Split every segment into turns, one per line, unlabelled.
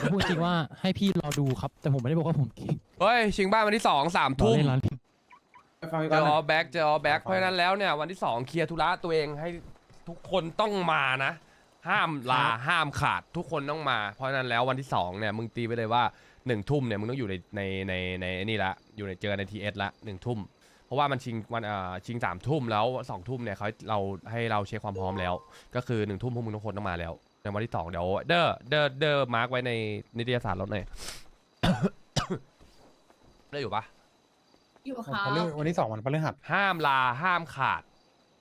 พูดจริงว่าให้พี่รอดูครับ แต่ผมไม่ได้บอกว่าผมเก่ง
เฮ้ยชิงบ้านวันที่2 3
รอ
ทุ่ม
เล่นร้าน
เจอออแบ็กเพราะฉะนั้นแล้วเนี่ยวันที่2เคลียร์ธุระตัวเองให้ทุกคนต้องมานะ ห้ามลาห้ามขาดทุกคนต้องมา เพราะฉะนั้นแล้ววันที่2เนี่ยมึงตีไปเลยว่า1 ทุ่มเนี่ยมึงต้องอยู่ในนี่ละอยู่ในเจอในทีเอสละ1 ทุ่มเพราะว่ามันชิงวันชิง3 ทุ่มแล้ว2 ทุ่มเนี่ยเราให้เราเช็คความพร้อมแล้ว ก็คือ1 ทุ่มพวกมึงทุกคนต้องมาแล้วในวันที่2เดี๋ยวเดอมาร์กไว้ในนิตยสารรถหน่อย ได้อยู่ปะ
อยู่
วัน
ค่ะ
พฤหัสวันที่2วันพฤหัส
ห้ามลาห้ามขาด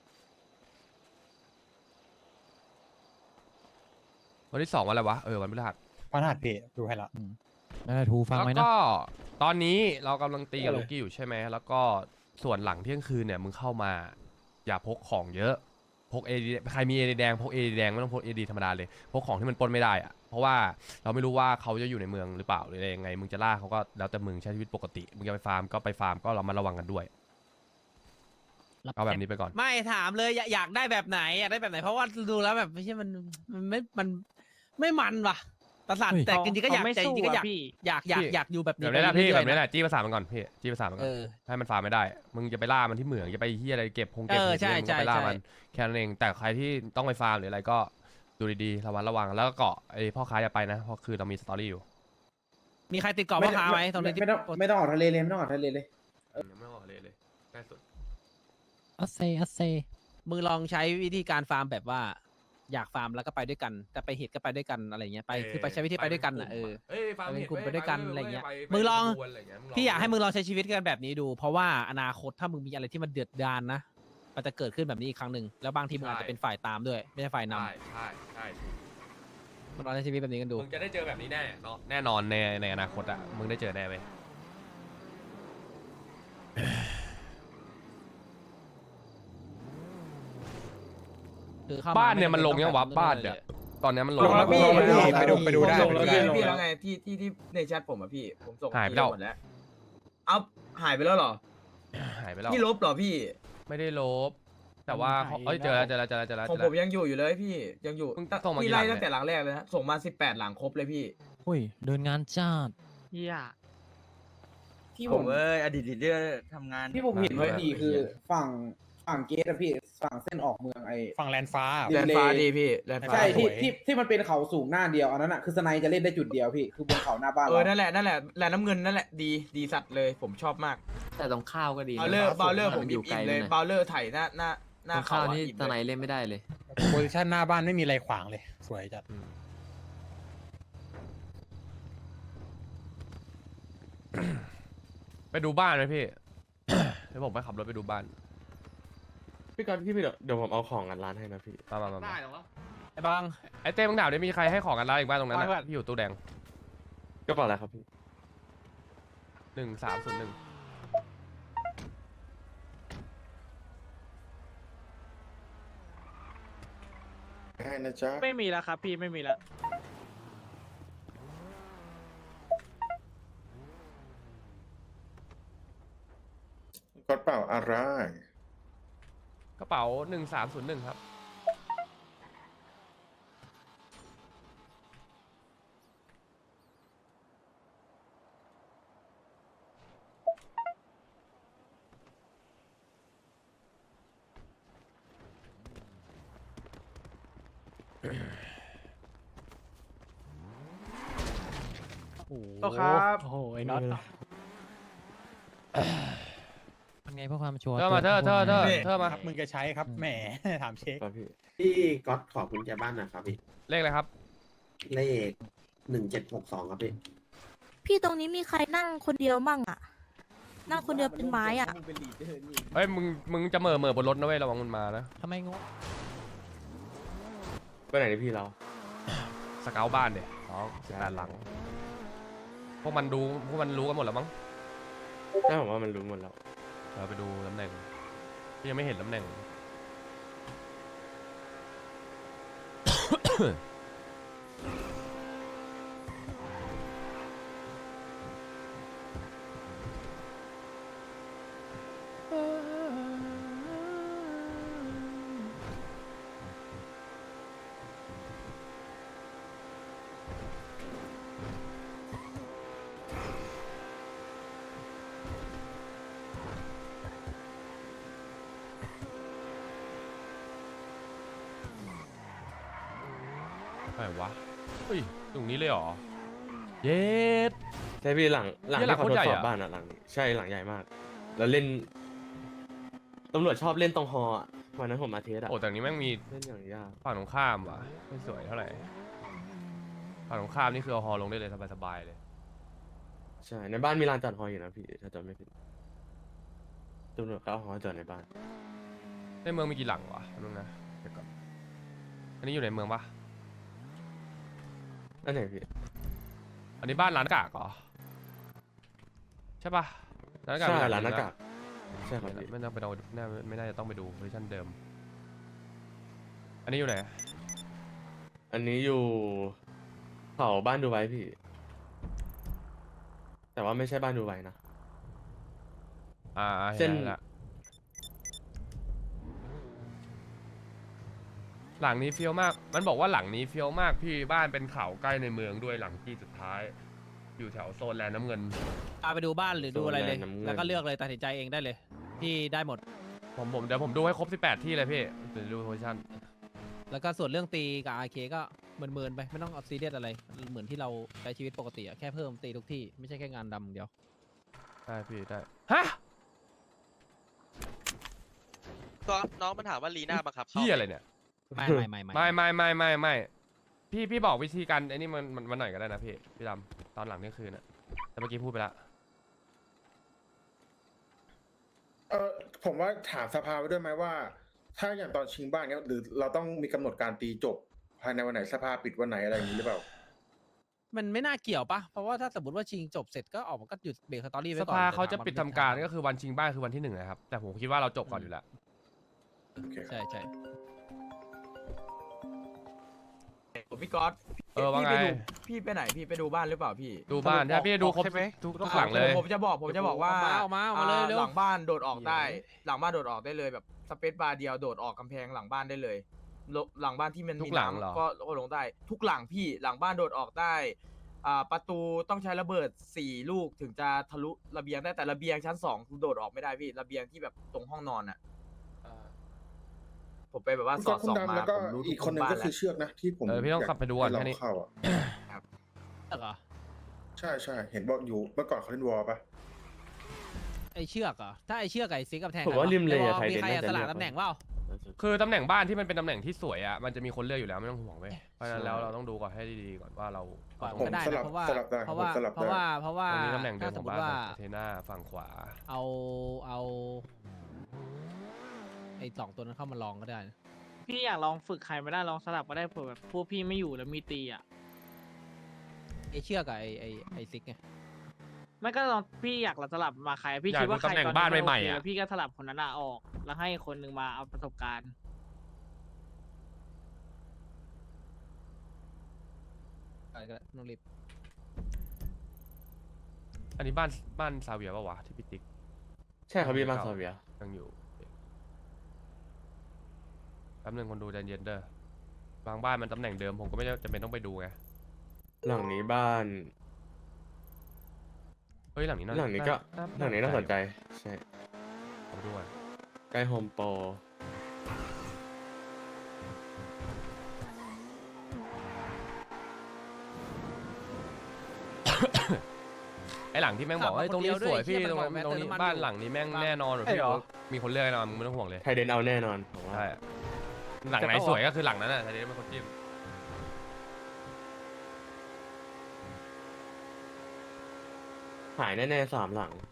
วันที่2วันอะไรวะวันพฤหัส
พฤหัสเพดูให้ละ
นั่นแหละทูฟัง
แล้ว
ไว้นะ
ก็ตอนนี้เรากำลังตีกับลูกี้อยู่ใช่ไหมแล้วก็ส่วนหลังเที่ยงคืนเนี่ยมึงเข้ามา อย่าพกของเยอะพกเอดีใครมีเอดีแดงพกเอดีแดงไม่ต้องพกเอดีธรรมดาเลยพกของที่มันปนไม่ได้อะเพราะว่าเราไม่รู้ว่าเขาจะอยู่ในเมืองหรือเปล่าหรืออะไรยังไงมึงจะล่าเขาก็แล้วแต่มึงใช้ชีวิตปกติมึงจะไปฟาร์มก็ไปฟาร์มก็เรามาระวังกันด้วยเอาแบบนี้ไปก่อน
ไม่ถามเลยอยากได้แบบไหนอยากได้แบบไหนเพราะว่าดูแล้วแบบไม่ใช่มันไม่มันว่ะประสาทแต่จริงๆก็อยากแต่จริงๆก็อยากอยู่แบบนี้
แบบนี้แหละพี่
ไป
แบบ
เรื่อยๆ
นี้แหละจี้ภาษามันก่อนพี่จี้ภาษามันก่อนให้มันฟาร์มไม่ได้มึงจะไปล่ามันที่เหมืองจะไปเฮียอะไรเก็บเก็บ
ใช่
มึงก็ไปล่ามันแค่นั้นเองแต่ใครที่ต้องไปฟาร์มหรืออะไรก็ดูดีๆระวังแล้วก็เกาะไอ้พ่อค้าอย่าไปนะเพราะคือเรามีสตอรี่อยู่
มีใครติดเกาะพ่อค้าไหมตรงนี้
ไม่ต้องออกทะเลเลยไม่ต้องออกทะเลเลย
ยังไม่ออกเลยใกล้สุด
อัสเซ
มึงลองใช้วิธีการฟาร์มแบบว่าอยากฟาร์มแล้วก็ไปด้วยกันแต่ไปเหตุก็ไปด้วยกันอะไรเงี้ยไปคือไปใช้วิธีไปด้วยกันอ่ะ
ฟาร์ม
เป็น
เห็ด
กลุ่มไปด้วยกันอะไรเงี้ย
ไป
มึงลอง
ขบวนะไรเงี้
พี่อยากให้มึงลองใช้ชีวิตกันแบบนี้ดู เพราะว่าอนาคตถ้ามึงมีอะไรที่มันเดือดดาลนะมันจะเกิดขึ้นแบบนี้อีกครั้งหนึ่งแล้วบางทีมึงอาจจะเป็นฝ่ายตามด้วยไม่ใช่ฝ่ายนำ
ใช่
มึงลองใช้ชีวิตแบบนี้กันดู
มึงจะได้เจอแบบนี้แน่เนาะแน่นอนในอนาคตอ่ะมึงได้เจอแน่เว้ย
คือเข้ม
บ้านเนี่ยมันลงยังวะบ้านเนี่ยตอนเนี้ยมันลง
ลงแล้วพี่
ไปดูได้
ส่งแล้ว
ไปดูได้
พี่แล้วไงที่ในแชทผมอะพี่ผมส่ง
หายไปแล้ว
หมดแล้วเอาหายไปแล้วเหรอ
หายไปแล้ว
พี่ลบเหรอพี่
ไม่ได้ลบ แต่ว่าเจอแล้ว
ของผมยังอยู่เลยพี่ยังอยู่
มึงส่งมากี่
พี่
หลั
ไล่
ง
ตั้งแต่หลังแรกเลยนะส่งมา18หลังครบเลยพี่
อุ้ยเดินงานจ้าด
ที่ผมอดีตลีดเดอร์ทำงาน
ที่ผมเห็นไว้ดีคือฝั่งเกตอะพี่ฝั่งเส้นออกเมืองไอ้
ฝั่งแลนฟ้า
แลนฟ้าดีพี่
แลนฟ้า
ใช่ที่
สวย
ที่มันเป็นเขาสูงหน้าเดียวอันนั้นอะคือสไนจะเล่นได้จุดเดียวพี่คือบนเขาหน้าบ้านเรานั่นแหละแลนน้ำเงินนั่นแหละดีสัตว์เลยผมชอบมาก
แต่ตรงข้าวก็ดี
บาเลอร์ผมอิ่มเลยบาเลอร์ไถหน้าเขา
ข้าว
อะ
นี่
อิ่ม
ตอนไหน
เลย
เล่นไม่ได้เลย
โพซิชั่นหน้าบ้านไม่มีอะไรขวางเลย สวยจัด
ไปดูบ้านไหมพี่ เดี๋ยวผมไปขับรถไปดูบ้าน
พี่ก๊อตพี่เดี๋ยวผมเอาของกันร้านให้นะพี่
มา
ได้หรอวะไอ้บัง
ไอ้เต้มึงถามได้มีใครให้ของกันร้านอีกบ้านตรงนั้น
ไม่เพื่อ
นะ
น
พี่อยู่ตู้แดง
ก็เปล่าอะไรครับพี่
1301
ให้นะจ๊ะ
ไม่มีแล้วครับพี่ไม่มีแล้ว
ก๊อตเปล่าอะไร
กระเป๋า1301ครับ
โอ้ครับโอ้โหไอ้น็อตเป็นไงเพื่อความชัวร์
เธอมาเธอมา
ครับมึงจะใช้ครับแหม ถามเช็ค
ครับพี่
พี่ก๊อตขอกุญแจบ้านหน่อยครับพี่
เลขอะไรครับ
เลข1762ครับพี่
พี่ตรงนี้มีใครนั่งคนเดียวมั่งอ่ะ นั่งคนเดียวเป็นไม้อ่ะ
เฮ้ยมึงจะเหม่อบนรถนะเว้ยระวังมันมานะ
ทำไมงง
ไปไหนนี่พี่เรา
สเกลบ้านเดี๋ยว18หลังพวกมันรู้กันหมดแล้วมั้ง
ได้ผมว่ามันรู้หมดแล้ว
เราไปดูตำแหน่งพี่ยังไม่เห็นตำแหน่งไหนวะเฮ้ยตรงนี้เลยเหรอเย็ด
ใช่พี่หลัง
เนี่ยหลั
ที่
ง โคตรใหญ่
เขาทดสอบ
อะ
บ้านอ่ะหลังนี้ใช่หลังใหญ่มาก แล้วเล่นตำรวจชอบเล่นตรงฮออะวันนั้นผมมาเทสอะ
โอ้แต่อันนี้แม่งมี
เล่นอย่างยาก
ฝั่งตรงข้ามว่ะไม่สวยเท่าไหร่ฝั่งตรงข้ามนี่คือเอาฮอลงได้เลยสบายๆเลย
ใช่ในบ้านมีลานจอดฮออยู่นะพี่ถ้าจำไม่ผิดตำรวจเขาเอาฮอจอดในบ้าน
ในเมืองมีกี่หลังวะนึงนะเดี๋ยวก่อนอันนี้อยู่ในเมืองปะ
อันไหนพี่
อันนี้บ้านร้านหน้ากากเหรอใช่ปะร้านหน้ากาก
ใช่
มี
ร้านห
ห
น้า
ลัง
กากใช่ครับ
ไม่
พี่
ไม่ต้องไปดูไม่น่าจะต้องไปดูเวอร์ชันเดิม อันนี้อยู่ไหน
อันนี้อยู่เขาบ้านดูไว้พี่ แต่ว่าไม่ใช่บ้านดูไว้นะ
เห็
เส้น
นแล้วหลังนี้เฟี้ยวมาก มันบอกว่าหลังนี้เฟี้ยวมากพี่บ้านเป็นเขาใกล้ในเมืองด้วยหลังที่สุดท้าย อยู่แถวโซนแลนด์น้ำเงิน
พาไปดูบ้านหรือดูอะไรเลย
โซนแลนด์น้ำเงิน
แล้วก็เลือกเลยตัดสินใจเองได้เลยพี่ได้หมด
ผมเดี๋ยวผมดูให้ครบ 18 ที่เลยพี่เดี๋ยวดูเวอร์ชัน
แล้วก็ส่วนเรื่องตีกับอาเคก็เมินๆไปไม่ต้องเอาซีเรียสอะไรเหมือนที่เราใช้ชีวิตปกติอะแค่เพิ่มตีทุกที่ไม่ใช่แค่งานดำอย่างเดียว
ได้พี่ได้ฮะ
ก็น้องมันถามว่าลีน่าบังคับเข้า
พี่
ไหม
อะไรเนี่ย
ไม่
ไม่พี่บอกวิธีการไอ้นี่มันหน่อยก็ได้นะพี่ดำตอนหลังเที่ยงคืนอะแต่เมื่อกี้พูดไปละ
ผมว่าถามสภาไว้ด้วยไหมว่า ถ้าอย่างตอนชิงบ้านเนี้ยหรือเราต้องมีกำหนดการตีจบ ภายในวันไหนสภาปิดวันไหนอะไรอย่างนี้หรือเปล่า
มันไม่น่าเกี่ยวปะเพราะว่าถ้าสมมติว่าชิงจบเสร็จก็ออกมาก็หยุดเบรกสตอรี่ไว้
ส
ก่อน
ภา
แต่
เขาจะ
ถมว่
ปิดทำการก็คือวันชิงบ้านคือวันที่ 1นะครับแต่ผมคิดว่าเราจบก่อนอยู่แล้ว
โอเคครับ
ใช่ใช่
พี่ก๊อต
ว่าไง
พี่ไปไหนพี่ไปดูบ้านหรือเปล่าพี่
ดูบ้านถ้าพี่ดูครบทุกหลังเลย
ผมจะบอกว่า
ออกมาเลยเร็ว
หลังบ้านโดดออกได้ หลังบ้านโดดออกได้เลยแบบสเปซบาร์เดียวโดดออกกำแพงหลังบ้านได้เลยหลังบ้านที่มัน
ทุ
มี
กหลังเหรอ
น้ำก็ลงได้ ทุกหลังพี่หลังบ้านโดดออกได้ประตูต้องใช้ระเบิด4 ลูกถึงจะทะลุระเบียงได้แต่ระเบียงชั้น2โดดออกไม่ได้พี่ระเบียงที่แบบตรงห้องนอนอ่ะผมไปแบบว่า
คุณ
ส
ก๊
อ
อ
ด
ตคุณ
ส่อง
ดำ
มา
แล้วก็
ผมรู้ทุ
อี
ก
กคนหนึ่ง
บ้าน
ก็
แล้
คือ
ว
เชือกนะที่ผม
พี่ต้องขับไปดูก่อน
ให้
แค่นี้
เราเข้าอ่ะ
เหรอ
ใช่เห็นบอกอยู่เมื่อก่อนเขาเล่นวอลปะ
ไอเชือกเหรอถ้าไอเชือกกับไอซิกกับแทง
ผมว่าริมเลยอะไทย
มี
เด่น
ใคร
น่าจะ
สลับ
เลือก
ตำแหน่งเปล่า
คือตำแหน่งบ้านที่มันเป็นตำแหน่งที่สวยอ่ะมันจะมีคนเลือกอยู่แล้วไม่ต้องห่วงเว้ยเพราะฉะนั้นแล้วเราต้องดูก่อนให้ดีๆก่อนว่าเรา
ปล่อย
เอา
มัน
ต
ก็
รง
ได้
ส
นะ
ลับ
เพราะว่า
สลับได้
เพราะว่า
ผมสลับ
เพราะว่า
ได้
เพราะว่า
ตรงนี้ตำแหน่งเดิ
ถ้าม
ข
ส
อ
ม
ง
ม
บ้าน
ติว่า
เทน่าฝั่งขวา
เอาไอ2 ตัวนั้นเข้ามาลองก็ได้นะ
พี่อยากลองฝึกใครไม่ได้ลองสลับก็ได้เผื่อแบบพวกพี่ไม่อยู่แล้วมีตีอ่ะ
ไอเชือกกับไอซิกไง
ไม่ก็ลองพี่อยากสลับมาใครพี่
อยาก
คิดว่า
ดู
ใคร
ตำแหน่ง
ตอน
บ้าน
นี้
ใหม่ๆ
โอเค
อะ
แล้วพี่ก็สลับคนนั้นอะออก แล้วให้คนหนึ่งมาเอาประสบการณ์
อะไรก็ได้ไม่ต้องรีบ
อันนี้บ้านซาเวียป่าวะที่พี่ติ๊ก
ใช่ครับพี่บ้านซาเวีย
ยังอยู่แป๊บนึงคนดูใจเย็นเด้อบางบ้านมันตำแหน่งเดิมผมก็ไม่จำเป็นต้องไปดูไง
หลังนี้บ้าน
เฮ้ยหลังนี้
หลังนี้ก็หลังนี้น่าสนใจใช่
เอาไปดูก่อน
ใกล้โฮมโปร
ไอหลังที่แม่งบอกว่าตรงนี้สวยพี่ตรงนี้บ้านหลังนี้แม่งแน่นอนพี่บอกมีคนเลือกแน่นอนมึงไม่ต้องห่วงเลย
ไทยเดนเอาแน่นอนผมว่า
ใช่หลังไหนสวยก็คือหลังนั้นอ่ะทีนี้เป็นคนจิ้ม
หายแน่ๆ3 หลัง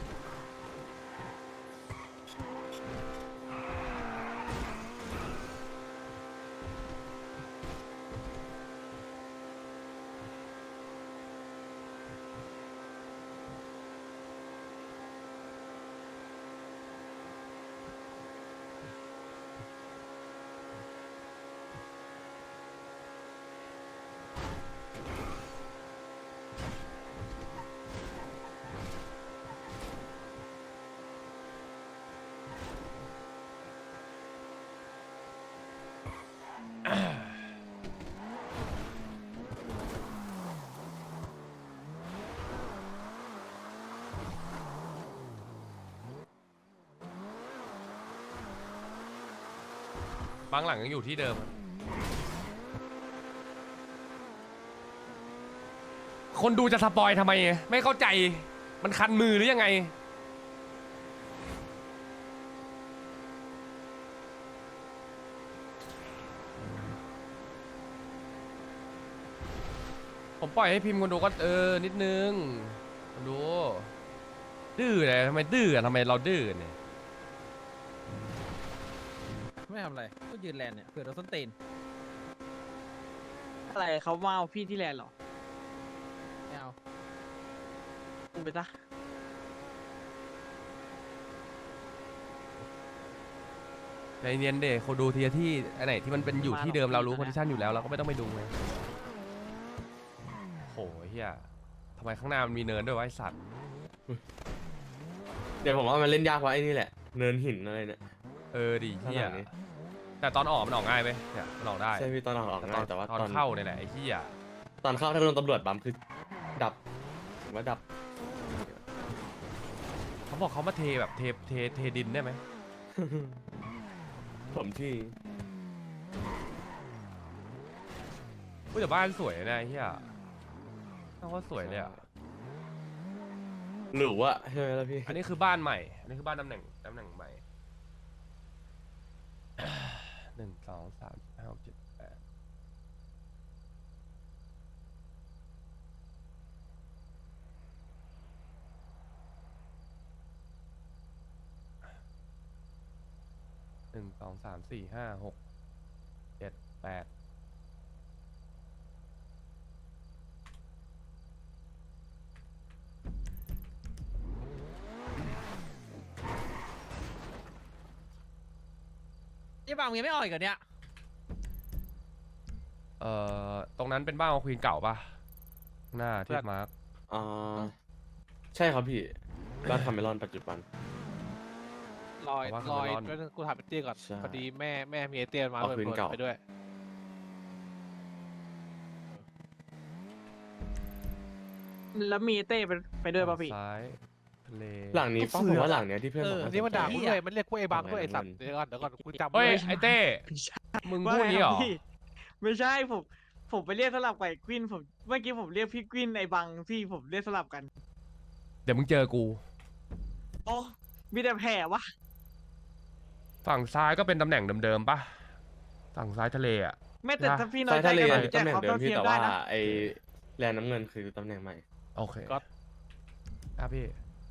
บางหลังยังอยู่ที่เดิมคนดูจะสปอยทำไม ไม่เข้าใจ มันคันมือหรือยังไง ผมปล่อยให้พิมพ์คนดูก็นิดนึงคนดู ดื้อเลยทำไมดื้ออะทำไมเราดื้อเนี่ย
ไม่ทำอะไรก็ยืนแลนเนี่ยเผื่อโดนส้นตีน
อะไรเขามาเอาพี่ที่แลนด์เหรอ
ไม่เอา
มึงไปซะ
ใจเย็นเด็กคนดูทีละที่อันไหนที่มันเป็นอยู่ที่เดิมเรารู้
มาหรอก
โพซิชันอยู่แล้วเราก็ไม่ต้องไปดูไงโหเฮียทำไมข้างหน้ามันมีเนินด้วยวะไอสัตว์
เดี๋ยวผมว่ามันเล่นยากเพราะไอ้นี่แหละ เนินหินอะไรเนี่ย
ดิเฮีย
ข้างหลังนี้
แต่ตอนออกมันออกง่ายไหมเนี่ยมันออกได้
ใช่พี่ตอนออก
แต่
ง่ายแต่ว่า
ตอนเข้าเนี่ยแหละไอ้เฮีย
ตอนเข้าถ้าโดนตำรวจบัมคือดับผมว่าดับ
เขาบอกเขามาเทแบบเทดินได้ไหม
ผมที่
เฮ้ยแต่บ้านสวยนะไอ้เฮียน่าว่าสวยเลยอ่ะ
หรือว่าใช่ไหมล่ะพี่
อันนี้คือบ้านใหม่ อันนี้คือบ้านตำแหน่งใหม่ 1 2 3 4 5 6 7 81 2 3 4 5 6 7 8
ยี่บางมึงยังไม่ออกอีกเหรอเนี่ย
ตรงนั้นเป็นบ้านของควีนเก่าปะข้างหน้าที่มาร์ค
อ่าใช่ครับพี่บ้านคาเมลอนปัจจุบัน
ลอย
กูถามเตี้ยก่อน
ใช่
พอดีแม่มีไอเตี้ยมา
เอาคืนเก่า
ไปด้วย
แล้วมีเต้ไปด้วยป่ะพี่
ซ้ายทะเล
หลังนี้ป้าผมว่าหลังเนี้ยที่เพื่อนบอก
นี่มันด่า
ส
กู
ใจ
ด้วยมันเรียกกูไอ้บางด้วยไอ้สัตว์เดี๋ยวก่อนกูจำ
เฮ้ย
ไม่
ไอเต้มึงพูดนี้เหรอ
ไม่ใช่ผมไปเรียกสลับกับไอ้กวินผมเมื่อกี้ผมเรียกพี่กวินไอ้บังพี่ผมเรียกสลับกัน
เดี๋ยวมึงเจอกู
โอ้มีแต่แผลวะ
ฝั่งซ้ายก็เป็นตำแหน่งเดิมๆปะฝั่งซ้ายทะเลอ่ะ
ไม่แต่
นะ
ถ้าพี่น้อ
ซ้าย ย
ใจ
ทะเล
กันผมแจ
ตำ
ก
แหน่ง
ความ
เดิ
เท่าม เที
พี่
ยม
แต่
ได้
ว่า
นะ
ไอแลนน้ำเงินคือตำแหน่งใหม่
โอเคพี่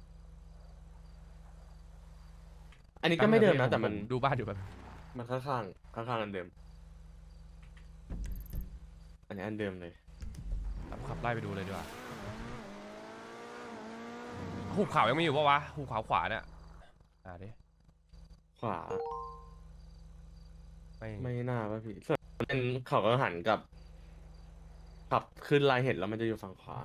อันนี้ก็ไม่เดิมนะแต่มัน
ดูบ้านอยู่แบบ
มันข้างอันเดิม อันนี้อันเดิมเลย
ขับไล่ไปดูเลยดีกว่าหุบเขายังมีอยู่ปะวะหุบเขาขวาเนี่ยดิ
ขวา
ไม่
ไม่น่าป่ะพี่ส่วนเป็นเขาก็หันกับขับขึ้นลายเห็นแล้วมันจะอยู่ฝั่งขวา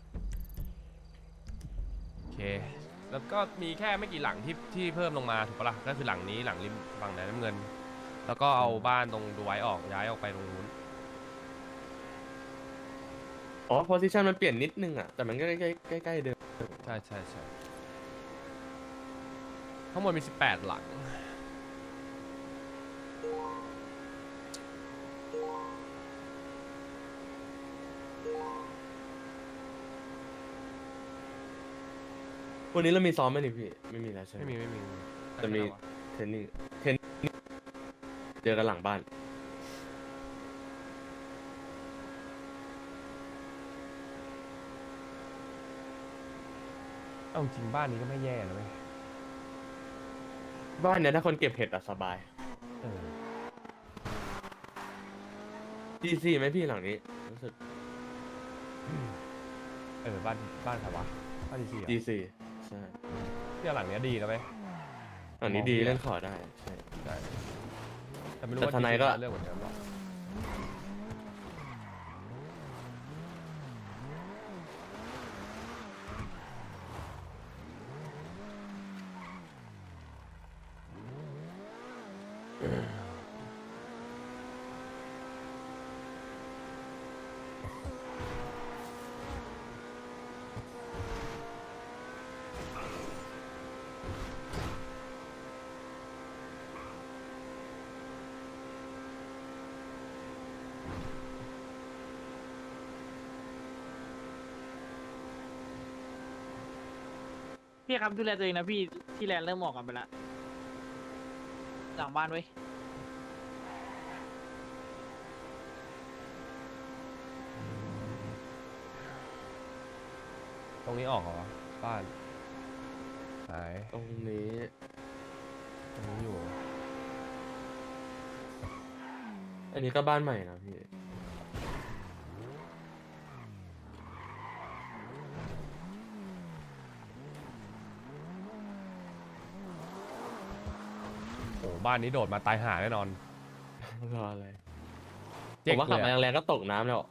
โอเค แล้วก็มีแค่ไม่กี่หลังที่เพิ่มลงมาถูกปะล่ะก็คือหลังนี้หลังริมฝั่งแดนน้ำเงิน แล้วก็เอาบ้านตรงดูไว้ออกย้ายออกไปตรงนู้น
อ๋อโพซิชันมันเปลี่ยนนิดนึงอ่ะแต่มันก็ใกล้ๆเดิม
ใช่ทั้งหมดมี18หลัง
วันนี้เรามีซ้อมไหมนี่พี่ไม่มีแล้วใช่ไหม
ไม่มี
จะมีเทรนนิ่งเจอกันหลังบ้าน
เอาจริงบ้านนี้ก็ไม่แย่นะเว้ย
บ้านเนี้ยถ้าคนเก็บเห็ดอะสบาย
เออ
GC ไหมพี่หลังนี้รู้สึก
บ้านใครวะบ้านดีซี
GC ใช่
เนี่ยหลังเนี้ยดีนะเว้ย
หลังนี้ดีเล่นขอได้ใช่
ใช่แต่ไม่รู้
แต่
ว่า
ทนายก็
เรื่องเหมือนกันหรอ
พี่ครับดูแลตัวเองนะพี่ที่แลนด์เริ่มออกกันไปละหลังบ้านไว้ย
ตรงนี้ออกเหรอบ้านหาย
ตรงนี้
ตรงนี้อยู่
อันนี้ก็บ้านใหม่นะพี่
โอ้บ้านนี้โดดมาตายห่าแน่นอน
รออะไรผ
เจ๊ก
มว่าขับ
เลย
มา
อะ
แรงๆก็ตกน้ำแล้ว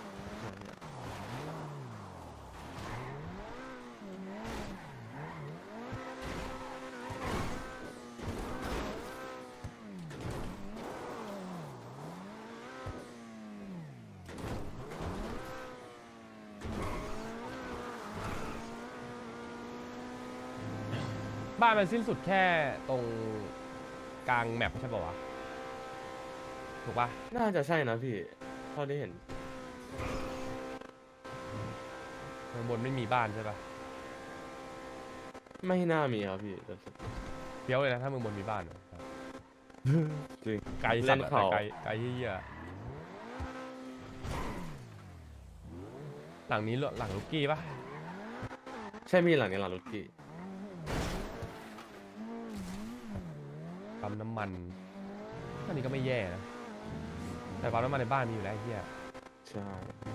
บ้านมันสิ้นสุดแค่ตรงกลางแมปใช่ป่าวะถูกปะ
น่าจะใช่นะพี่เท่าที่เห็น
ข้างบนไม่มีบ้านใช่ปะ
ไม่น่ามีครับพี่แต่
เพี้ยวเลยนะถ้ามึงบนมีบ้านอะ
จริง
ไกลสั
เล่
ต
น
ว์อะ
เขา
ไกลไกลเหี้ยหลังนี้หลังลูกกี้ปะ
ใช่พี่หลังนี้หลังลูกกี้
ปั๊มน้ำมันอันนี้ก็ไม่แย่นะแต่ปั๊มน้ำมันในบ้านมีอยู่แล้วไอ้เหี้ย
ใช่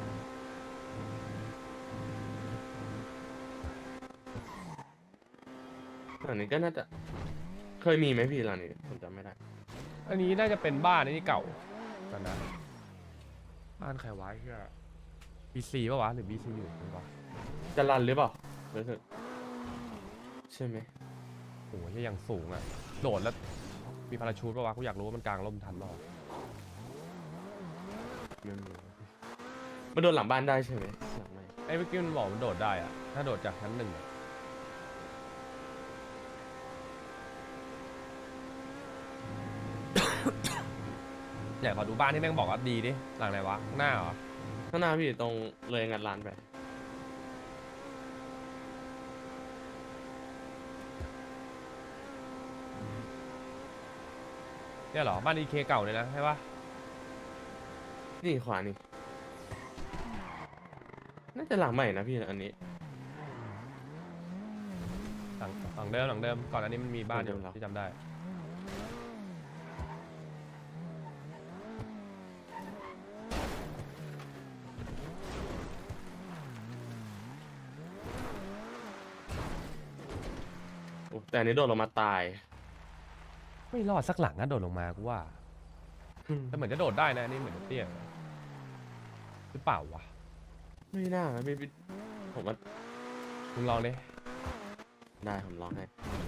หลังนี้ก็น่าจะเคยมีไหมพี่หลังนี้ผมจำไม่ได้
อันนี้น่าจะเป็นบ้านนี่เก่ากันนะบ้านใครวะไอ้เหี้ย BC ปะวะหรือ BC อยู่หรือเปล่า
จะรันหรือเปล่ารู้สึกใช่ไหม
โอ้โหที่ยังสูงอ่ะโดดแล้วมีพาราชูทปะวะกูอยากรู้ว่ามันกลางร่มทันหรอ
ไม่มีมันโดนหลังบ้านได้ใช่ไหมหลังไม่
ไอ้เมื่อกี้มันบอกมันโดดได้อะถ้าโดดจากชั้นหนึ่งอะอยากขอดูบ้านที่แม่งบอกว่าดีดิหลังไหนวะข้างหน้าเหรอ
ข้างหน้าพี่ตรงเลยงัดร้านไป
เนี่ยเหรอบ้านอีเคเก่าเลยนะใช่ปะ
นี่ขวานี่ น่าจะหลังใหม่นะพี่อันนี้
หลังเดิมก่อนอันนี้มันมีบ้านอยู่
หลังเดิมเหรอ
ที่จำได้
โอ้แต่อันนี้โดนลงมาตาย
ไม่รอดสักหลังนะโดดลงมากูว่าแต่เหมือนจะโดดได้นะอันนี่เหมือนจะเตี้ยหรือเปล่าวะ
ไม่น่าพี่ผมว่า
มึงลองดิ
ได้ผมลองให้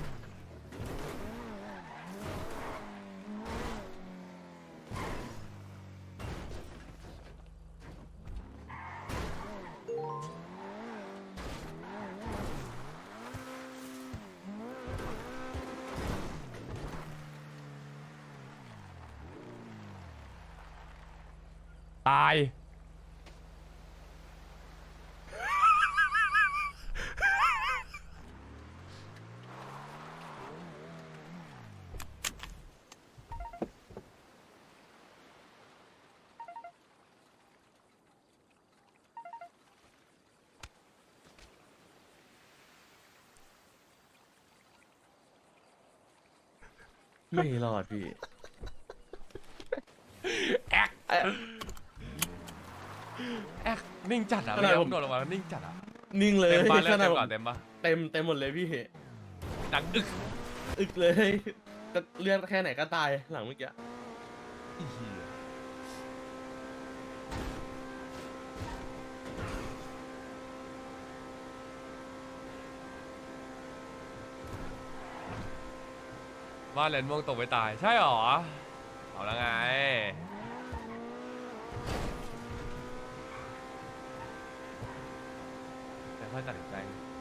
ตาย
ไม่รอดพี่
แอกนิ่งจัดอ่ะ
ข
ไม่
นาด
ยอ
ผม ม
โดดลงมาแล้วนิ่งจัดอ่ะ
นิ่งเลย
เต็มบ้านแล้ว
ขนา
เต็
ด
ม
ผม
ก่อนเต็มปะ
เต็มหมดเลยพี่
ดังอึก
อึกเลยจะเลือดแค่ไหนก็ตายหลังเมื่อกี้
อีเหี้ยบ้านเลนม่วงตกไปตายใช่หรอเอาแล้วไงแต่ค่อยตัดสินใจ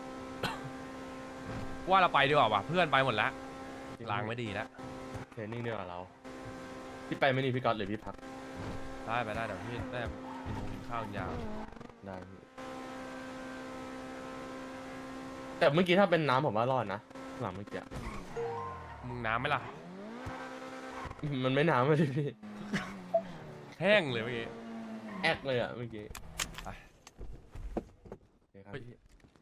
ว่าเราไปดีกว่าว่ะเพื่อนไปหมดแล้วลางไม่ดีแล้ว
เทรนนิ่งเดียวกับเราพี่ไปไม่นี่พี่ก๊อตหรือพี่พัก
ได้ไปได้เดี๋ยวพี่ได้กินข้าวยาว
ได้พี่แต่เมื่อกี้ถ้าเป็นน้ำผมว่ารอดนะหลังเมื่อกี้
มึงน้ำไหมล่ะ
มันไม่น้ำเลยพี่
แห้งเลยเมื่อกี้
แอกเลยอ่ะเมื่อกี้
ไป
โอเคครับ
เฮ้ย
พี่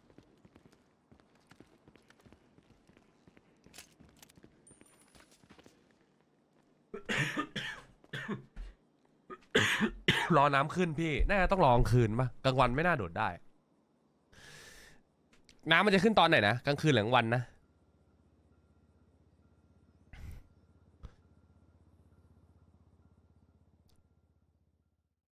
รอน้ำขึ้นพี่น่าจะต้องรอกลางคืนป่ะกลางวันไม่น่าโดดได้ น้ำมันจะขึ้นตอนไหนนะกลางคืนหรือกลางวันนะ